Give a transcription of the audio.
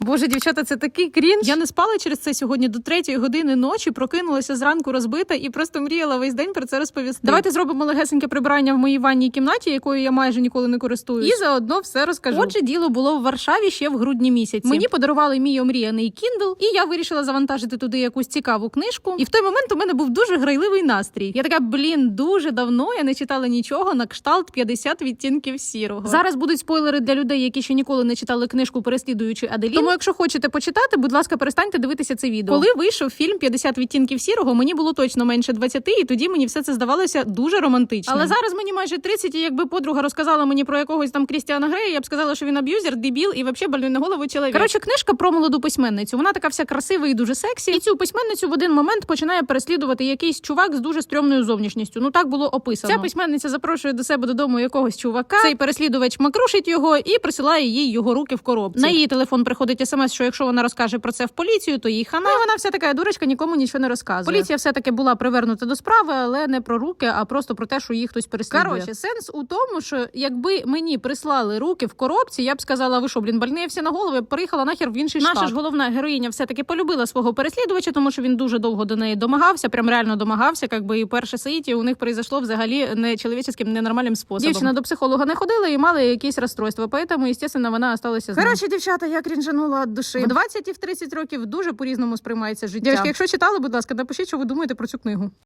Боже, дівчата, це такий крінж. Я не спала через це сьогодні до 3 години ночі, прокинулася зранку розбита і просто мріяла весь день про це розповісти. Давайте зробимо легесеньке прибирання в моїй ванній кімнаті, якою я майже ніколи не користуюсь. І заодно все розкажу. Отже, діло було в Варшаві ще в грудні місяці. Мені подарували мій омріяний Kindle, і я вирішила завантажити туди якусь цікаву книжку. І в той момент у мене був дуже грайливий настрій. Я така, дуже давно я не читала нічого на кшталт 50 відтінків сірого. Зараз будуть спойлери для людей, які ще ніколи не читали книжку «Переслідуючи Аделін». Тому, якщо хочете почитати, будь ласка, перестаньте дивитися це відео. Коли вийшов фільм «50 відтінків сірого», мені було точно менше 20, і тоді мені все це здавалося дуже романтичним. Але зараз мені майже 30, і якби подруга розказала мені про якогось там Крістіана Грея, я б сказала, що він аб'юзер, дебіл і взагалі больний на голову чоловік. Коротше, книжка про молоду письменницю. Вона така вся красива і дуже сексі. І цю письменницю в один момент починає переслідувати якийсь чувак з дуже стрьомною зовнішністю. Ну так було описано. Ця письменниця запрошує до себе додому якогось чувака. Цей переслідувач макрушить його і присилає їй його руки в коробці. На її телефон приходить смс, що якщо вона розкаже про це в поліцію, то їй хана. Ну, і вона вся така дурочка, нікому нічого не розказує. Поліція все-таки була привернута до справи, але не про руки, а просто про те, що їх хтось переслідує. Коротше, сенс у тому, що якби мені прислали руки в коробці, я б сказала, ви що, больні всі на голову, я б переїхала нахер в інший штат. Наша ж головна героїня все-таки полюбила свого переслідувача, тому що він дуже довго до неї домагався, прям реально домагався, якби і перше соїття у них произошло взагалі нечоловіческим, ненормальним способом. Дівчина до психолога не ходила і мала якісь розстройства, поэтому, естественно, вона осталася з ним. Коротше, дівчата, я крінжанула від душі. В 20 і в 30 років дуже по-різному сприймається життя. Дівчатки, якщо читали, будь ласка, напишіть, що ви думаєте про цю книгу.